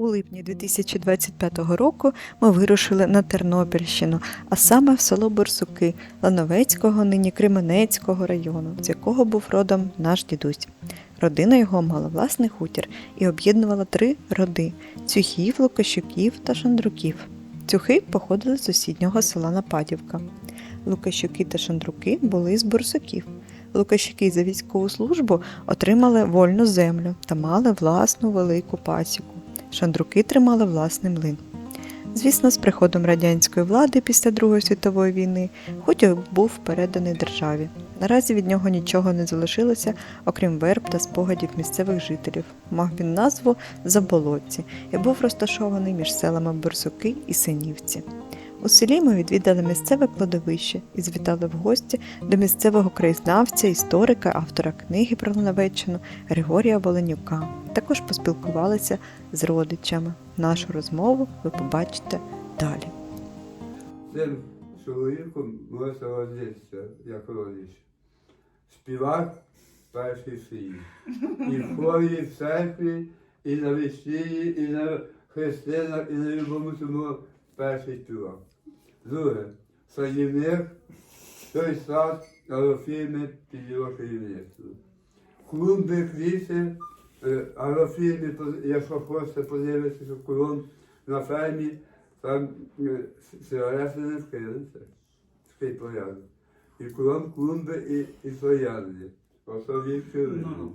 У липні 2025 року ми вирушили на Тернопільщину, а саме в село Борсуки Лановецького, нині Кременецького району, з якого був родом наш дідусь. Родина його мала власний хутір і об'єднувала 3 роди – Цюхів, Лукащуків та Шандруків. Цюхи походили з сусіднього села Нападівка. Лукащуки та Шандруки були з Борсуків. Лукащуки за військову службу отримали вольну землю та мали власну велику пасіку. Шандруки тримали власний млин. Звісно, з приходом радянської влади після Другої світової війни хутір був переданий державі. Наразі від нього нічого не залишилося, окрім верб та спогадів місцевих жителів. Мав він назву Заболотці і був розташований між селами Борсуки і Синівці. У селі ми відвідали місцеве кладовище і завітали в гості до місцевого краєзнавця, історика, автора книги про Лановеччину Григорія Воленюка. Також поспілкувалися з родичами. Нашу розмову ви побачите далі. Цим чоловіком ми родитися, як родич. Співак перший свій. І в хорі, і в церкві, і на весіллі, і на хрестинах, і на любому цьому перший співак. Друге, садівник, той сад, агрофірми під його керівництвом. Клумби, квіти, агрофірми, якщо хочете подивитися, що клумб на фермі, там сигарети не вкинеться. Такий порядок. І клумби, і троянди. Особливі керівництво.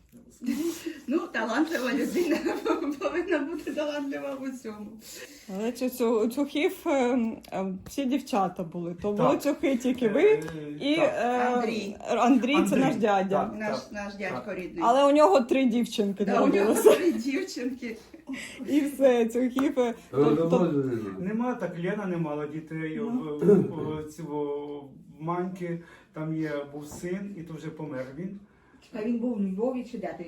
Ну, талантлива людина повинна бути талантлива в усьому. Але цюхів всі дівчата були. То були цюхи тільки ви і Андрій, це наш дядя. Наш дядько рідний. Але у нього 3 дівчинки У нього народилося. 3 дівчинки. І все, цюхів. Нема, так Лена не мала дітей, в Маньки, там був син, і то вже помер він. А він був у Львові чи де?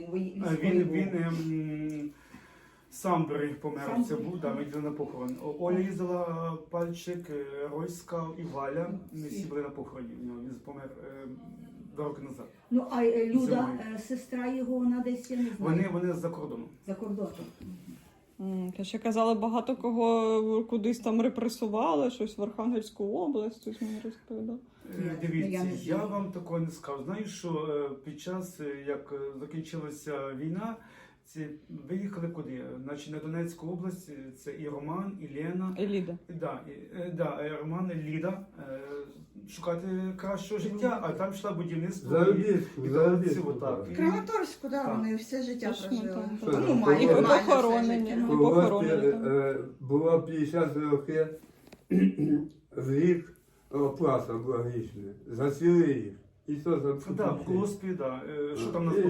Він сам помер, це був, ми йдемо на похорон. Оля їздила, Пальчик, Ройська і Валя, ми всі були на похороні в нього, він помер 2 роки назад. Ну, а Люда, сестра його, вона десь, я не знаю. Вони з-за кордону. За кордоном. Ще казали, багато кого кудись там репресували, щось в Архангельську область, хтось мені розповідав. Дивіться, я вам такого не скажу. Знаю, що під час, як закінчилася війна, виїхали куди? Значить, на Донецьку область, це і Роман, і Лена. І Ліда. Роман, і Ліда. Шукати кращого життя, а там йшла будівництво. Заробітку. В Краматорську, вони все життя прожили. І похоронені. Було 50 років в рік оплата була грішна. За цілий рік. І то за Так, в колоспі, що там нас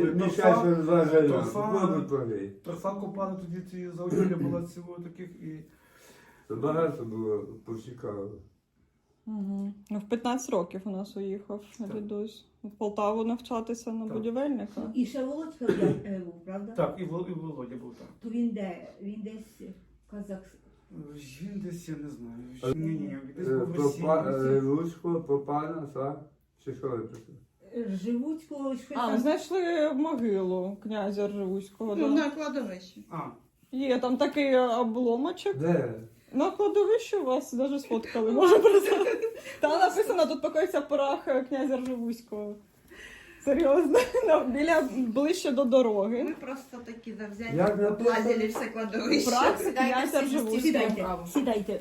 були? Торфа копали, тоді ці заоділля була цього таких і... Багато було поцікавило. В 15 років у нас уїхав дідусь. В Полтаву навчатися на будівельника. І ще Володька був, правда? Так, і Володя був так. То він де? Він десь Казахстан. Він десь, я не знаю. Ні, десь був в Росії. Луцько, Попана, так? Чи що ви писали? Живуцького, що Ми там. знайшли могилу князя Ржевуського. На кладовищі. Є там такий обломочок. Де? На кладовищі вас навіть сфоткали, може прислати. Там написано, тут покоїться прах князя Ржевуського. Серйозно, ближче до дороги. Ми просто такі завзяті, облазили все кладовище. Прах князя Ржевуського. Сідайте.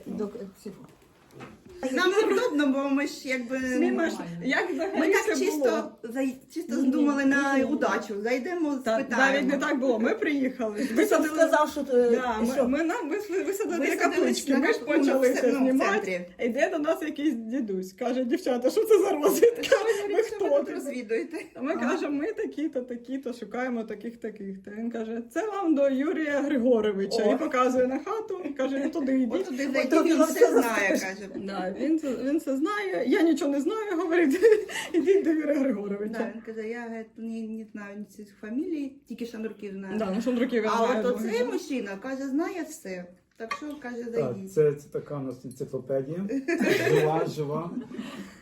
Нам неудобно, бо ми ж якби... Ми так чисто здумали на удачу. Зайдемо, Навіть не спитаємо. так було, ми приїхали. Ти сказав, що Ми висадили на каплички, ми ж почали це знімати. Йде до нас якийсь дідусь, каже, дівчата, що це за розвідка? Ми хто тут тут? розвідуєте? А ми кажемо, ми такі-то, шукаємо таких-таких. Він каже, це вам до Юрія Григоровича. І показує на хату, і каже, ви туди йдіть. От туди зайти, він все знає, каже. Да, він це знає, я нічого не знаю, говорить, ідіть до Юрія Григоровича. Да, він каже, я не знаю ні цих фамілій, тільки Шандруків знаю. Да, Шандруків я А знаю. от оцей мужчина, каже, знає все. Так що, каже, Так, зайдіть. це така у нас енциклопедія. Жива.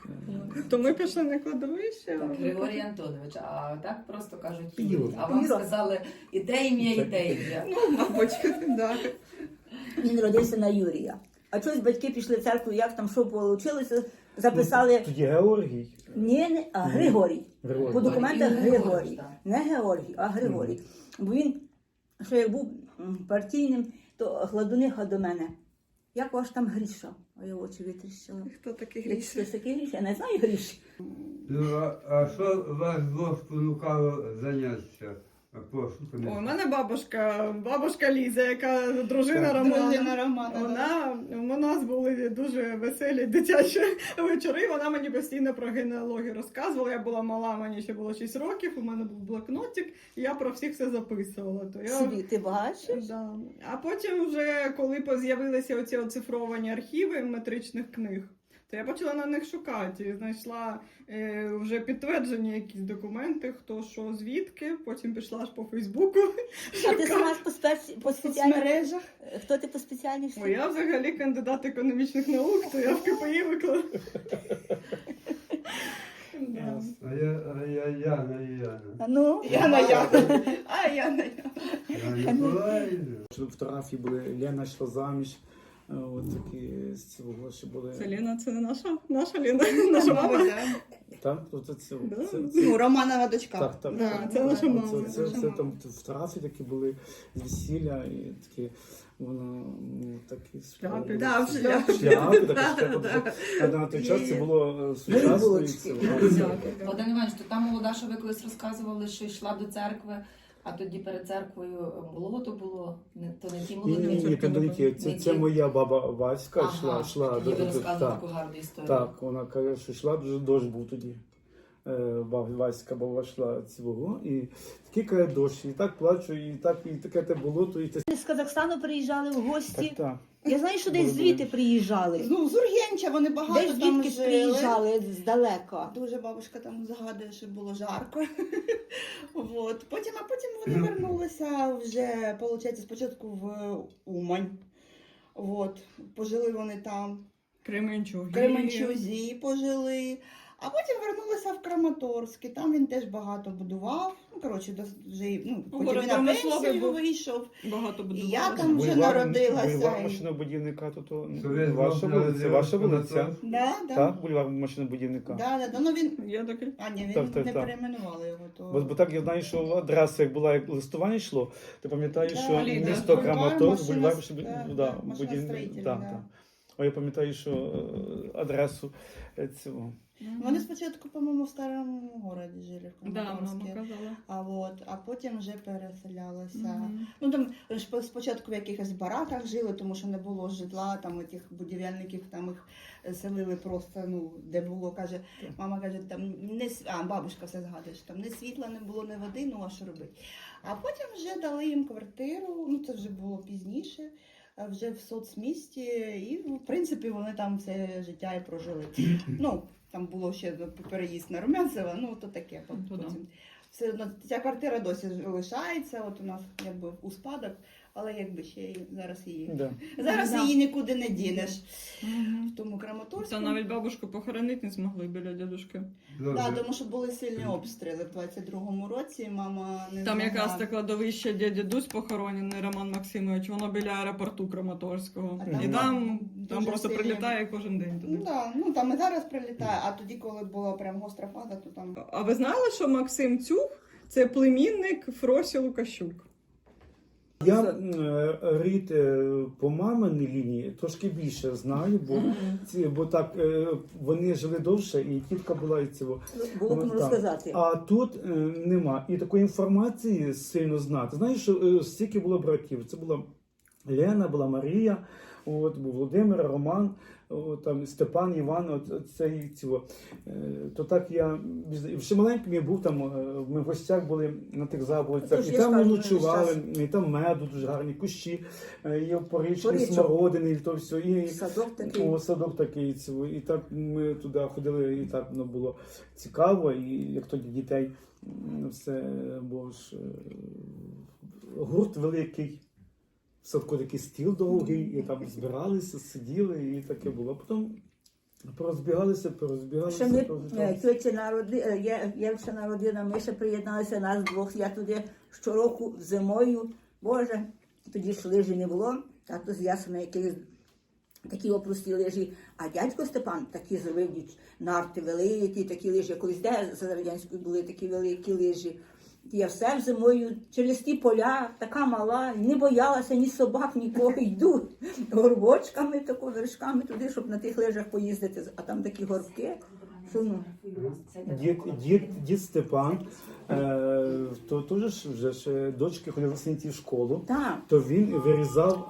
То ми пішли на кладовище. Так, Григорій Антонович, а так просто кажуть Юра. Юрій. А вам Юра. сказали і те ім'я, і те ім'я. Мабуть, да. Він родився на Юрія. А чогось батьки пішли в церкву, як там що вийшло, записали. Тоді Георгій. Ні, а Григорій. Григорій. По документах Григорій, Григорій. так. Не Георгій, а Григорій. Бо він, що як був партійним, то гладуниха до мене. Як ваш там Гріша? А я очі витріщила. Хто такий Який Гріша? такий Гріша? Я не знаю Гріші. Ну, а що вас двох спонукало зайнятися пошуками? Ой, у мене бабушка Ліза, яка дружина Романа. Дружина Романа, У нас були дуже веселі дитячі вечори. Вона мені постійно про генеалогію розказувала. Я була мала, мені ще було 6 років, у мене був блокнотик, і я про всіх все записувала. То я... Собі, ти бачиш? Да. А потім вже, коли з'явилися оці оцифровані архіви метричних книг, то я почала на них шукати. І знайшла вже підтверджені якісь документи, хто що, звідки. Потім пішла аж по Фейсбуку. А ти сама ж по в спеціальній... мережах. Хто ти по спеціальній? Бо я взагалі кандидат економічних наук, то я в КПІ виклала. Да. А я Яна. Ну, Яна. А Яна. Яна Миколаївна. Фотографії були, Лена йшла заміж. От такі з цього ще були. Це Лена, це не наша Лена, наша мама. Мабуть, да. Так, тобто це. Да. Ну, Романова дочка. Так, так. Да, це наша мама. Це там фотографії такі були з весілля і такі, воно такі Шляпи. Да, в шляпі. шляпи, Да, такі да. шляпи. На той час це Є. було сучасно. і булочки. це. Вадим Іванович, то там молода, що ви колись розказували, що йшла до церкви, а тоді перед церквою болото було, то не ті Ні, молоді. ні, ні, то не ті. Це моя баба Васька йшла тоді ви до розказували так. таку гарну історію. Так, вона каже, що йшла, дуже дощ був тоді. Васька баба йшла цього, і такий каже дощ, і так плачу, і таке те болото, і те. з Казахстану приїжджали в Так, гості. так. Я знаю, що десь звідти приїжджали. Ну, з Ургенча вони багато Десь там звідки жили. приїжджали здалека. Дуже бабушка там згадує, що було жарко. Вот. А потім вони вернулися вже, виходить, спочатку в Умань. Вот. Пожили вони там. Кременчуг. В Кременчузі пожили. А потім вернулися в Краматорськ. І там він теж багато будував. Ну, коротше, вже потім город він на промисловий пенсію був. вийшов. Багато І будували. я там вже народилася. Бульвар машинобудівника, то Совєт ваша Бог вулиця, ваша народив вулиця. Анатолій. Да. Так, бульвар машинобудівника. Да. Ну він. Я таки. А, ні, він Так, не так. перейменували його. То... Бо так я знаю, що адреса, як була, як листування йшло, ти пам'ятаєш, Да, що Ліда. місто Бульвар Краматорськ, машино- бульвар да, будівник. машиностроїтельний, Так, да. так. А я пам'ятаю, що адресу цього. Вони спочатку, по-моєму, в старому городі жили, в Да, мама Краматорську. казала. А потім вже переселялися. Ну там ж спочатку в якихось бараках жили, тому що не було житла, там тих будівельників, там їх селили просто, де було, каже, мама каже, там бабушка все згадує, що там не світла не було, не води, а що робити. А потім вже дали їм квартиру, це вже було пізніше. Вже в соцмісті, і в принципі вони там все життя і прожили. Там було ще переїзд на Румянцева, то таке. Потім все одно ця квартира досі лишається. От у нас якби у спадок, але якби ще зараз її. Да. Зараз її нікуди не дінеш. В тому Краматорську. Та навіть бабушку похоронити не змогли біля дядушки. Да, тому що були сильні обстріли в 22-му році. Мама не Там змогла. якраз те кладовище дідусь похоронений, Роман Максимович, воно біля аеропорту Краматорського. А там І там дуже просто сильні- прилітає кожен день туди. Там і зараз прилітає, а тоді, коли була прям гостра фаза, то там. А ви знали, що Максим Цюх – це племінник Фросі Лукащук? Я рід по маминій лінії трошки більше знаю, бо так вони жили довше, і тітка була і цього. Було б Так. розказати. А тут нема. І такої інформації сильно знати. Знаєш, що стільки було братів. Це була Лена, була Марія, був Володимир, Роман, там Степан, Іван, це цього. То так я ще маленьким я був там, ми в гостях були на тих заболицях, Тож і я там ми скажу, ночували, і там меду, дуже гарні кущі, є порічні, Порічок. смородини, і то все. І, Садок такий. садок такий, цього. І так ми туди ходили, і так було цікаво, і як тоді дітей все було ж гурт великий. В садку такий стіл довгий, і там збиралися, сиділи, і таке було. Потім Порозбігалися. Ще ми тьоті я ще народила, ми ще приєдналися нас двох. Я туди щороку зимою, Боже, тоді ж лижі не було, тато з Ясена якісь такі опрості лижі. А дядько Степан такі зробив нарти великі, такі лижі. Колись де за радянською були такі великі лижі. Я все зимою через ті поля, така мала, не боялася ні собак, нікого, йду горбочками, тако, вершками туди, щоб на тих лижах поїздити. А там такі горбки. Що, ну, Дід Степан, то теж вже ж дочки ходили синці в школу, так. то він вирізав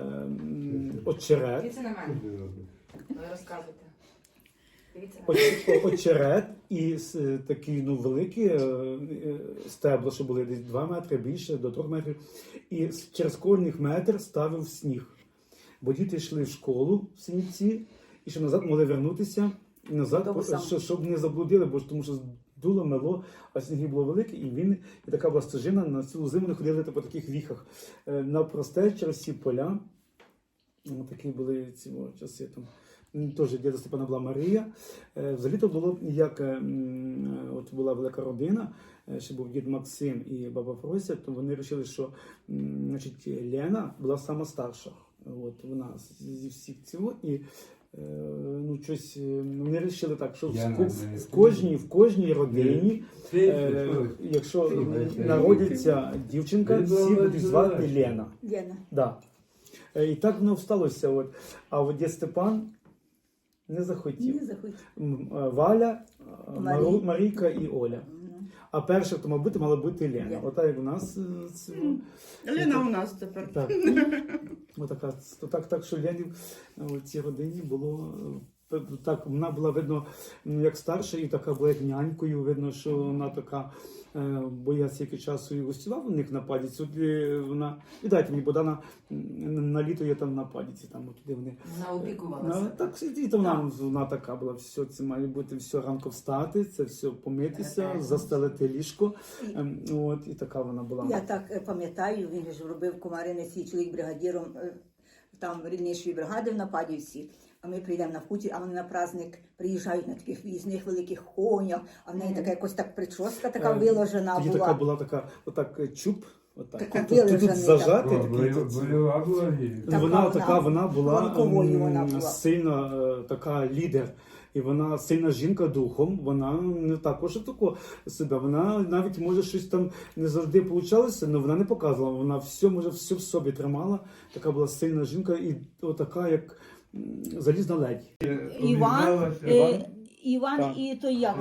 очерет, Дивіться на мене. Ви розказуйте. Дивіться на мене. очерет і такі великі стебла, що були десь 2 метри більше, до 3 метрів. І через кожних метр ставив сніг. Бо діти йшли в школу в Синівці, і щоб назад могли вернутися, і назад, щоб не заблудили, бо тому що дуло, мело, а сніги було велике, і така була стежина, на цілу зиму не ходили по таких віхах. Навпросте через ці поля, такі були ці часи там. Теж діда Степана була Марія. Взагалі то було, як от була велика родина, ще був дід Максим і баба Фрося, то вони вирішили, що значить, Лена була сама старша. От, вона зі всіх цього. І ну, щось, вони вирішили так, що в кожній родині, якщо народиться дівчинка, всі будуть звати Лена. Лена. Да. І так воно сталося. От. А от дід Степан не захотів. Не захотів. Валя, Марійка і Оля. А перша, хто мав бути, мала бути Лена. Ота як у нас. Лена у нас тепер. Так. Отака, так, що Ленів в цій родині було. Так, вона була, видно, як старша, і така була як нянькою. Видно, що вона така, бо я стільки часу і гостював у них на Падіці. Вона, і дайте мені, Богдана, на літо я там на Падіці, там туди вони. Вона опікувалася. Так, і то вона така була, все, це має бути все ранку встати, це все помитися, застелити ліжко. От, і така вона була. Я так пам'ятаю, він ж робив Комарине свій чоловік бригадіром там ріднішої бригади в Нападівці. А ми прийдемо на хутір, а вони на праздник приїжджають на таких в'їзних великих конях, а в неї така якось так прическа така виложена Тоді була. така була така, отак чуб, отак. Така Тут виложена, зажати. Вона була Ронковою вона була. сильна така лідер. І вона сильна жінка духом, вона не також тако себе. Вона навіть може щось там не завжди получалося, але вона не показувала. Вона все в собі тримала. Така була сильна жінка і отака, як залізна ледь. Іван Так. і той як,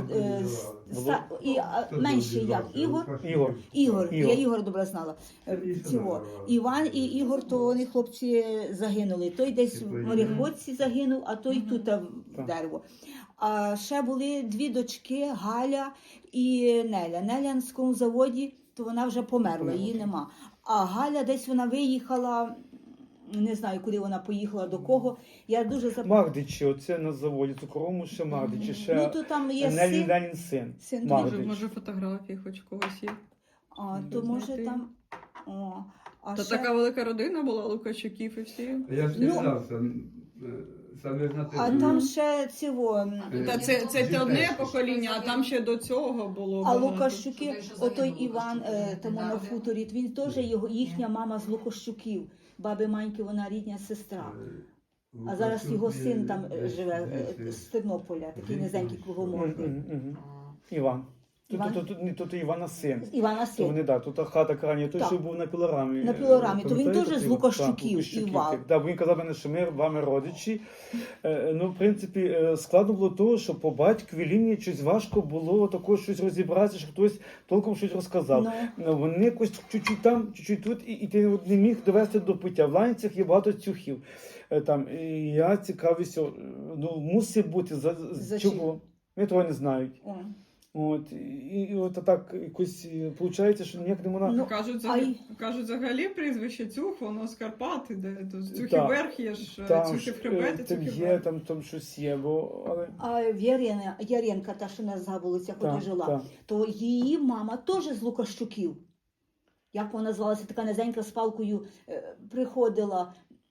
менший як, Ігор. Я Ігор добре знала. Цього. Іван і Ігор, то вони хлопці загинули. Той десь в мореходці загинув, а той тут в дерево. А ще були 2 дочки, Галя і Неля. Неля на скому заводі, то вона вже померла, її нема. А Галя десь вона виїхала, не знаю, куди вона поїхала, до кого. Я дуже Магдичі, оце на заводі цукровому ще Магдичі, ще Ну, то там є Ленін син. Син Магдич. Може фотографії хоч когось є. А, то може там... О, а Та ще... така велика родина була, Лукачуків і всі. Я ж не знав, саме на А там ще цього... Та це одне покоління, а там ще до цього було А багато. Лукащуки, отой Іван, тому на хуторі, він теж їхня мама з Лукащуків. Баби Маньки, вона рідня сестра. А зараз його син там живе з Тернополя, такий низенький кругомордий. Іван. Іван? Тут Івана син. Івана То син. вони, так, тут хата крайня, той, Так. що був на пілорамі. На пілорамі, то він Пам'ятаєте, теж з той? Лукащуків, Так, Лукащуків. Іван. Так, він казав мене, що ми вами родичі. Ну, в принципі, складно було того, що по батьковій лінії щось важко було також щось розібратися, що хтось толком щось розказав. Вони якось чуть-чуть там, чуть-чуть тут, і ти не міг довести до пиття. В Ланцях є багато цюхів. Там, і я цікавився, ну, мусить бути, За чого? Вони того не знають. О. От, і от так якось виходить, що ніяк не можна... Ну, Кажуть, взагалі прізвище Цюх, воно з Карпат іде. Цюхів Так. верх є ж, Там Цюхів хребет і там Цюхів є, верх. там щось є, бо... Але... А Яренка, та, що нас забулася, куди жила, так. то її мама теж з Лукащуків. Як вона звалася, така низенька з палкою приходила.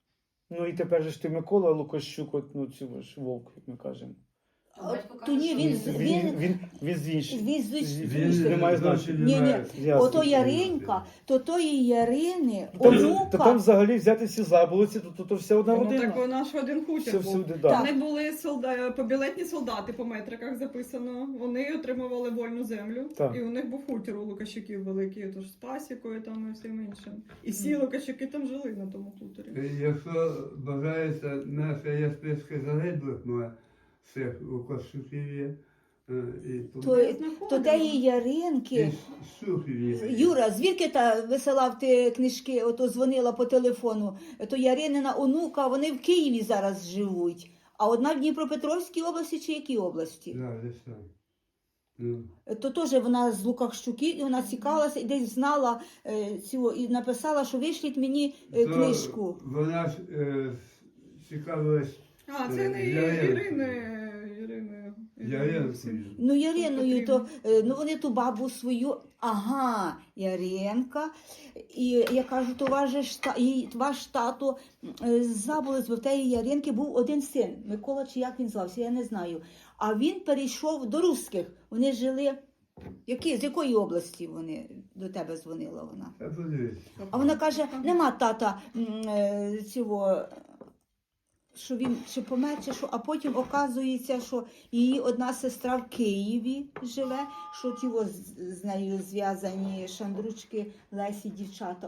Ну і тепер же ж ти Микола Лукащук, от, ну цю ж вовк, як ми кажемо. Батько То ні, каже, Він з інших. Він з Він не має значення. Ні. Ясно. Ото Яринка, то тої Ярини, Та онука. там взагалі взяти всі заболоці, то вся одна Ну родина. так вона ж один хутір Все був. всюди, да. Вони були побілетні солдати, по метриках записано. Вони отримували вольну землю. Так. І у них був хутір у Лукащуків великий, тож з пасікою там і всім іншим. І всі Лукащуки там жили на тому хуторі. Якщо бажається, наша є списки загиблих моїх всіх Лукащуків є. І То теї Яринки. Сухів є. Юра, звідки та висилав ти книжки, ото дзвонила по телефону, то Яринина онука, вони в Києві зараз живуть. А одна в Дніпропетровській області чи якій області? Да, десь там. Ну. То теж вона з Лукащуків, і вона цікавилася, і десь знала цього, і написала, що вишліть мені То книжку. Вона ж цікавилась А, це не Яринкою. Яринкою. Ну, Яриною, то ну вони ту бабу свою, ага, Яринка. І я кажу, то ваш тато забулись, бо в тієї Яринки був один син, Микола, чи як він звався, я не знаю. А він перейшов до русських. Вони жили. З якої області вони до тебе дзвонила вона? Та подивись. А вона каже, нема тата цього, що він чи помер, чи що, а потім оказується, що її одна сестра в Києві живе, що тіво з нею зв'язані шандручки, Лесі, дівчата,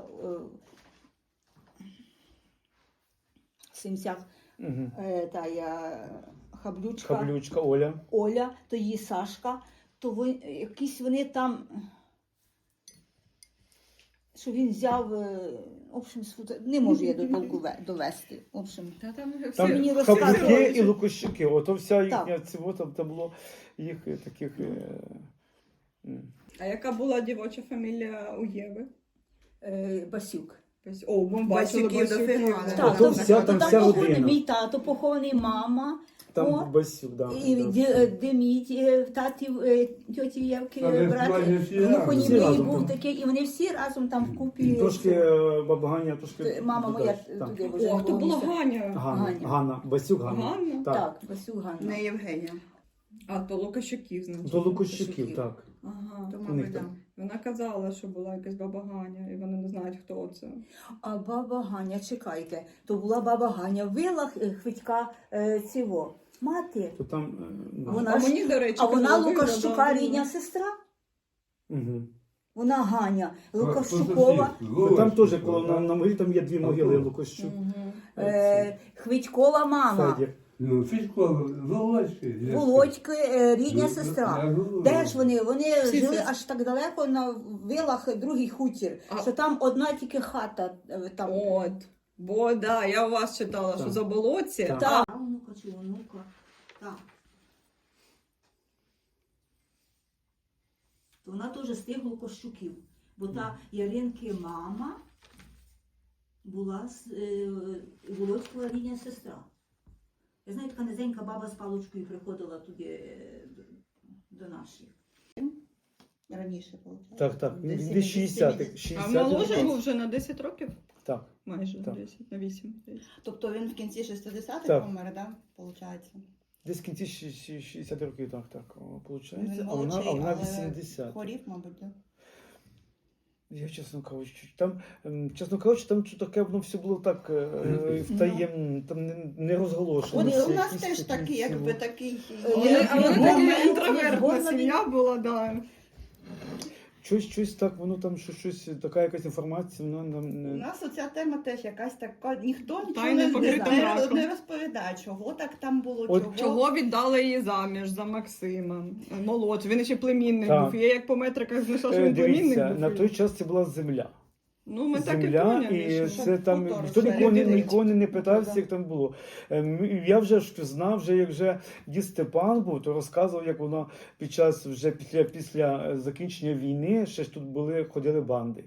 в сімцях, Угу. Хаблючка, Оля. Оля, то її Сашка, то якісь вони там, що він взяв, в общем, не можу я до толку довести. В общем, Там мені Хаблюки розказували, і Лукащуки. Ото вся їхня Так. цього, там було їх таких. А яка була дівоча фамілія у Єви? Басюк. О, ми бачили Басюків дофіга. Басюків. Так, то вся- там то вся похований родина. мій тато, похований мама, Там О, Басюк, да. і да. Деміть, татів, тьоті Євки, Там брат, майже всі разом. Всі глухонімий разом був там. такий, і вони всі разом там вкупі. Трошки баба Ганя, трошки. Мама моя Так. туди вже О, хто була місце. Ганя? Ганна. Ганна. Басюк Ганна. Ганна? Так. Так, Басюк Ганна. Не Євгенія. А, то Лукащуків, значить. До Лукащуків, так. Ага. То, них мабуть, там. да. Вона казала, що була якась баба Ганя, і вони не знають, хто це. А баба Ганя, чекайте, то була баба Ганя, вила Хвитька цього. Мати, То там. Вона А ж- мені, до речі, а вона казали, Лукащука да, рідня сестра. Угу. Вона Ганя, По Лукащукова. сусідству. Там теж коло на могилі там є дві могили А то. Лукащук. Хвитькова мама, Федір. Ну, Федько, Володьки. Володьки, рідня Ну, сестра. я говорю. Де ж вони? Вони Всі жили сестри. аж так далеко на вилах другий хутір, А- що там одна тільки хата. Там. От. Бо да, я у вас читала, що Так. за болотці. Так. Так. Онука чи онука. Так. То вона теж з тих Лукащуків. Бо та Яринки мама була Володькова рідня сестра. Я знаю, така низенька баба з паличкою приходила туди до наших. Раніше, виходить. Так, так. Десь Десь 60-х. А 60-х. моложе був вже на 10 років? Так. Майже Так. 10, на 8. Тобто він в кінці 60-х Так. помер, да? Получається. Десь в кінці 60 років, так, виходить. Він А вона молодший, але 80. Хворів, мабуть, да? Я, чесно кажучи, там що таке, воно все було так втаємно, там не розголошено. У нас теж такий, якби такий. Вони Зборна- така інтровертна зборна сім'я була, да. Щось так, воно там щось, така якась інформація, вона нам У не... нас оця тема теж якась така, ніхто нічого Тайне покрите мраком. не розповідає, чого так там було, От Чого віддали її заміж за Максима? Молодший, він ще племінник Так. був. Я як по метриках знайшла, що він племінник Дивіться, був. на той час це була земля. Ну, ми так і Земля, поняли, і що... це там хутор, ніхто все, нікого не питався, Да. як там було. Я вже ж знав, вже як вже дід Степан був, то розказував, як воно під час вже після закінчення війни ще ж тут ходили банди.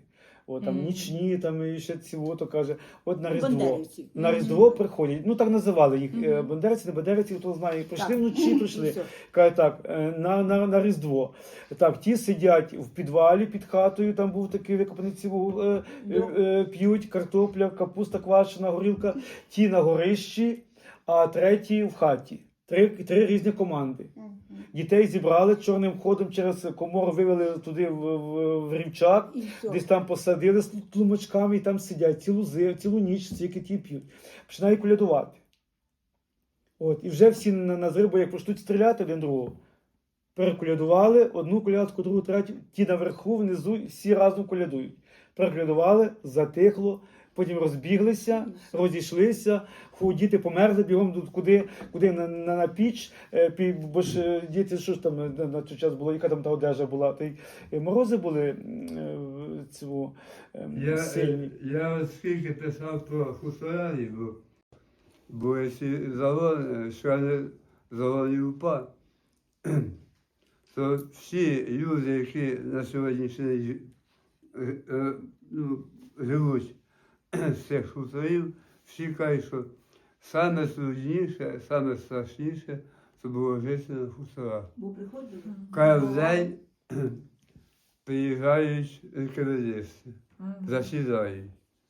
О, там нічні, там і ще цього, каже, от на Різдво. Бандерівці. На Різдво приходять, ну так називали їх, Мгм. бандерівці, не бандерівці, хто знає, прийшли Так. вночі, прийшли. І все. Каже так, на Різдво. Так, ті сидять в підвалі під хатою, там був такий викопаний ціву, п'ють картопля, капуста квашена, горілка, ті на горищі, а треті в хаті. Три різні команди. Дітей зібрали чорним ходом через комору, вивели туди в рівчак, І все. десь там посадили з тлумачками і там сидять цілу ніч, стільки ті п'ють. Починають колядувати. От, і вже всі на зрив, бо як почнуть стріляти один другого. Переколядували, одну колядку, другу, третю, ті наверху, внизу, всі разом колядують. Переколядували, затихло, потім розбіглися, розійшлися, діти померли бігом куди на піч, бо ж діти, що ж там на той час було, яка там та одежа була, та й морози були сильні. Я от скільки писав про хуторянів, бо якщо члени загонів УПА, то всі люди, які на сьогоднішній день живуть з цих хуторів, всі кажуть, що саме трудніше, саме страшніше, це було жити на хуторах. Бо приходили. Кожен день приїжджають інквізисти, засідають.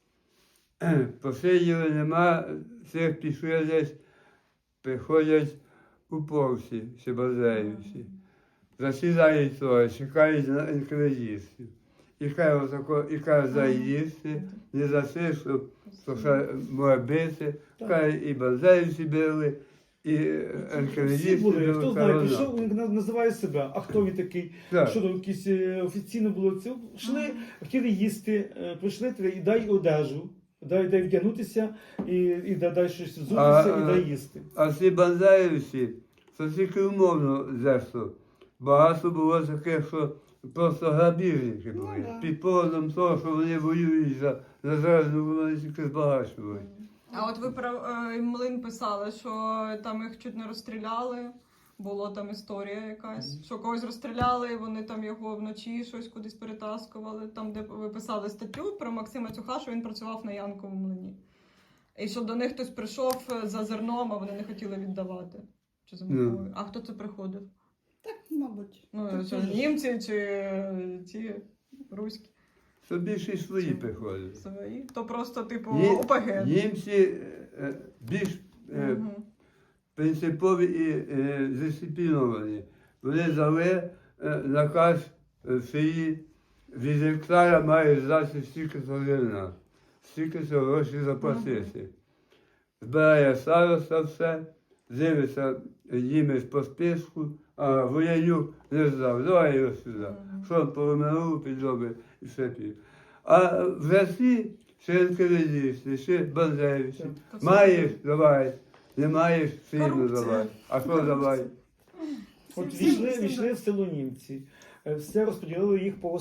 Посиділи, нема, цих пішли десь, приходять уповці, сибазеївці. Засідають то, чекають на інквізистів. І каже заїсти, не за те, що ще може бити. Каже, і базеївці били, і Всі інквізисти були, били. хто знає, прийшов, він називає себе, а хто він такий? Так. Що там якісь офіційно було це? Йшли, хотіли їсти, прийшли і дай одежу, дай вдягнутися, і дай щось взутися, і дай їсти. А ці бандерівці, це тільки умовно зесло. Багато було таких, що просто грабіжники були. Під поводом того, що вони воюють за незалежну, вони тільки збагачували. А от ви про Млин писали, що там їх чуть не розстріляли. Була там історія якась, що когось розстріляли, і вони там його вночі щось кудись перетаскували. Там, де ви писали статтю про Максима Цюха, що він працював на Янковому млині. І що до них хтось прийшов за зерном, а вони не хотіли віддавати. Чи за мукою. А хто це приходив? Так, мабуть. Ну, що, німці чи ті руські Це більше свої приходять. свої? То просто, типу, Ні- ОПГ. Німці більш Мгм. принципові і дисципліновані. Вони дали наказ свої від гектара має здати стільки зерна, стільки грошей заплатити. Збирає староста все, дивиться їм по списку, а воєнюк не здав, давай його сюди. Що поломинув, підробив і все пів. А в Росії ще інквізисти, ще бандерівці. Маєш, давай. Не маєш, сильно Корупція. давай. А що давай? От війшли в село німці, все розподілили їх по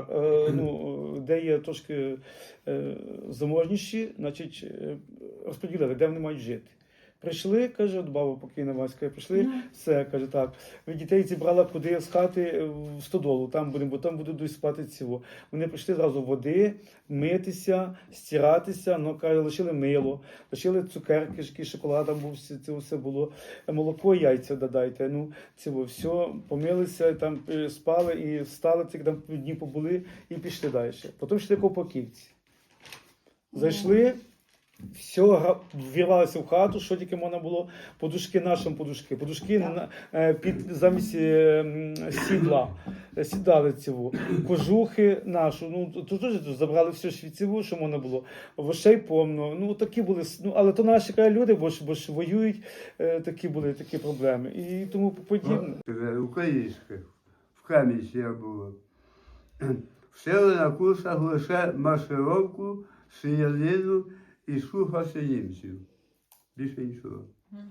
де є трошки заможніші, значить, розподілили, де вони мають жити. Прийшли, каже, от баба покійна Васька, прийшли, все, каже, так. Ви дітей зібрала куди з хати в стодолу, там будемо, бо там будуть спати цього. Вони прийшли зразу води, митися, стиратися, ну, каже, лишили мило, лишили цукерки, шоколад там був, це все було, молоко, яйця додайте, ну, цього, все, помилися, там спали і встали, ці там дні побули і пішли далі. Потім йшли Ковпаківці. Зайшли, все, вірвалися в хату, що тільки можна було, подушки нашим подушки замість сідла, сідали цього, кожухи нашу, ну, тут теж забрали все швіцеву, що можна було, вошей повно, ну, такі були, ну, але то наші люди, бо ж воюють, такі були такі проблеми, і тому подібне. Українських, в Кам'янці я було. Вчили на курсах лише маршировку, стрілянину і слухався німців. Більше нічого.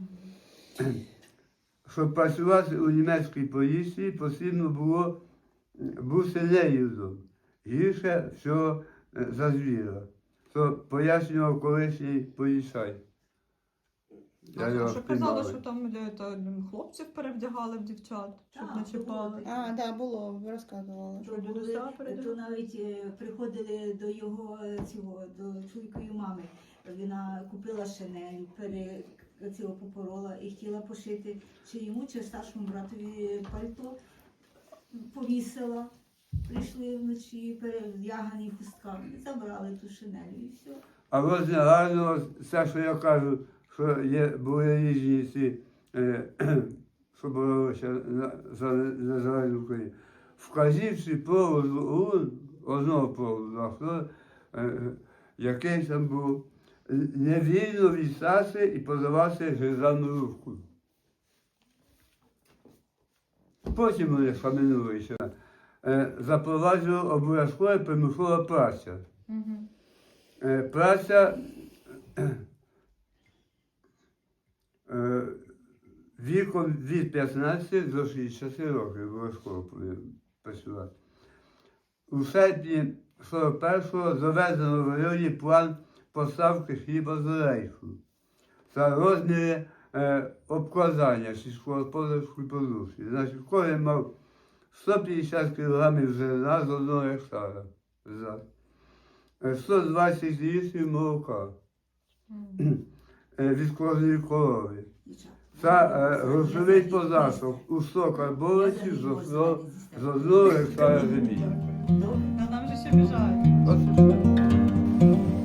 Щоб працювати у німецькій поліції, потрібно було бути неюдом. Гірше всього за звіра. То пояснював колишній поліцай. Я його Що казали, впіймав. що там хлопців перевдягали в дівчат, щоб Так, не чіпали. А, да, було, ви розказували. Що дідуся То перевдягали? навіть приходили до його цього, до чоловікової мами. Вона купила шинель, цього попорола і хотіла пошити чи йому, чи старшому братові пальто. Повісила. Прийшли вночі перевдягані в хустках, забрали ту шинель і все. А ось гарно все, що я кажу, що були різні ці, що боролися за незалежну Україну. Вказівці проводу одного проводу, а хто, який там був, невільно відстати і подавати державну руку. Потім вони схаменулися. Запроваджував обов'язкова примусова праця. Мгм. Праця віком від 15 до 60 років обов'язково повинен працювати. У серпні 41-го заведено в районі план поставки хліба з рейху за розміри обкладання сільськогосподарської продукції. Значить, кожен мав 150 кг зерна з 1 гектара. 120 літрів молока від кожної корови. Це грошовий податок у 100 карбованців з 1 гектара землі. А нам же ще біжають. От і все.